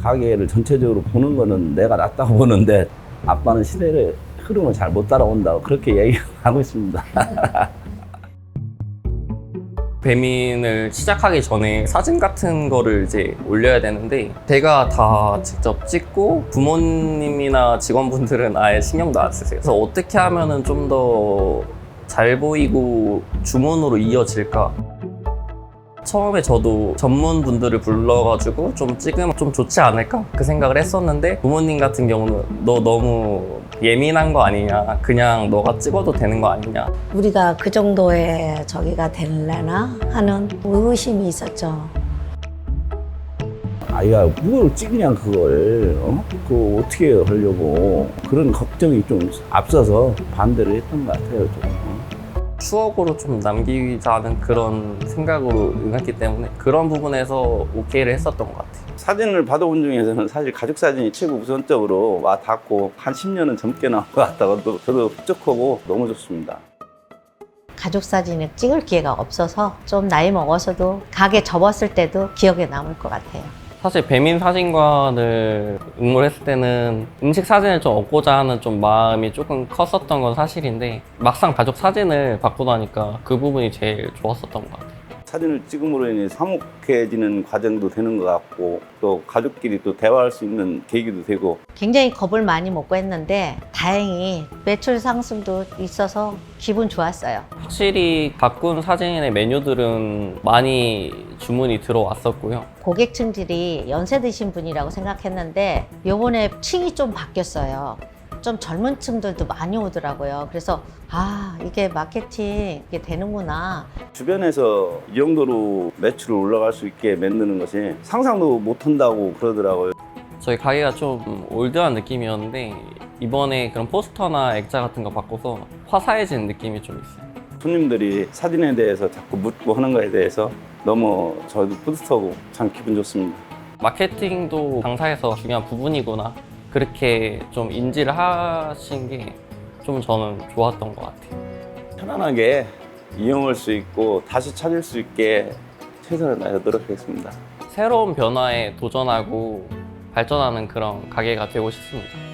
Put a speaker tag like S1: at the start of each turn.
S1: 가게를 전체적으로 보는 거는 내가 낫다고 보는데 아빠는 시대의 흐름을 잘 못 따라온다고 그렇게 얘기하고 있습니다.
S2: 배민을 시작하기 전에 사진 같은 거를 이제 올려야 되는데 제가 다 직접 찍고 부모님이나 직원분들은 아예 신경도 안 쓰세요. 그래서 어떻게 하면은 좀 더 잘 보이고 주문으로 이어질까? 처음에 저도 전문분들을 불러가지고 좀 찍으면 좀 좋지 않을까? 그 생각을 했었는데 부모님 같은 경우는 너 너무 예민한 거 아니냐? 그냥 너가 찍어도 되는 거 아니냐?
S3: 우리가 그 정도의 저기가 될래나 하는 의구심이 있었죠.
S1: 아이가 뭘 찍냐 그걸 그거 어떻게 하려고 그런 걱정이 좀 앞서서 반대를 했던 것 같아요. 좀.
S2: 추억으로 좀 남기자는 그런 생각으로 응했기 때문에 그런 부분에서 오케이를 했었던 것 같아요.
S1: 사진을 받아본 중에서는 사실 가족 사진이 최고 우선적으로 와 닿고 한 10년은 젊게 나온 것 같다고 저도 흡족하고 너무 좋습니다.
S3: 가족 사진을 찍을 기회가 없어서 좀 나이 먹어서도 가게 접었을 때도 기억에 남을 것 같아요.
S2: 사실 배민 사진관을 응모했을 때는 음식 사진을 좀 얻고자 하는 좀 마음이 조금 컸었던 건 사실인데 막상 가족 사진을 받고 나니까 그 부분이 제일 좋았었던 것 같아요.
S1: 사진을 찍음으로 인해 화목해지는 과정도 되는 것 같고 또 가족끼리 또 대화할 수 있는 계기도 되고
S3: 굉장히 겁을 많이 먹고 했는데 다행히 매출 상승도 있어서 기분 좋았어요.
S2: 확실히 가꾼 사진의 메뉴들은 많이 주문이 들어왔었고요.
S3: 고객층들이 연세 드신 분이라고 생각했는데 요번에 층이 좀 바뀌었어요. 좀 젊은 층들도 많이 오더라고요. 그래서 아, 이게 마케팅 이게 되는구나.
S1: 주변에서 이 정도로 매출을 올라갈 수 있게 만드는 것이 상상도 못한다고 그러더라고요.
S2: 저희 가게가 좀 올드한 느낌이었는데 이번에 그런 포스터나 액자 같은 거 바꿔서 화사해진 느낌이 좀 있어요.
S1: 손님들이 사진에 대해서 자꾸 묻고 하는 거에 대해서 너무 저도 뿌듯하고 참 기분 좋습니다.
S2: 마케팅도 장사에서 중요한 부분이구나 그렇게 좀 인지를 하신 게 좀 저는 좋았던 것 같아요.
S1: 편안하게 이용할 수 있고 다시 찾을 수 있게 최선을 다해서 노력하겠습니다.
S2: 새로운 변화에 도전하고 발전하는 그런 가게가 되고 싶습니다.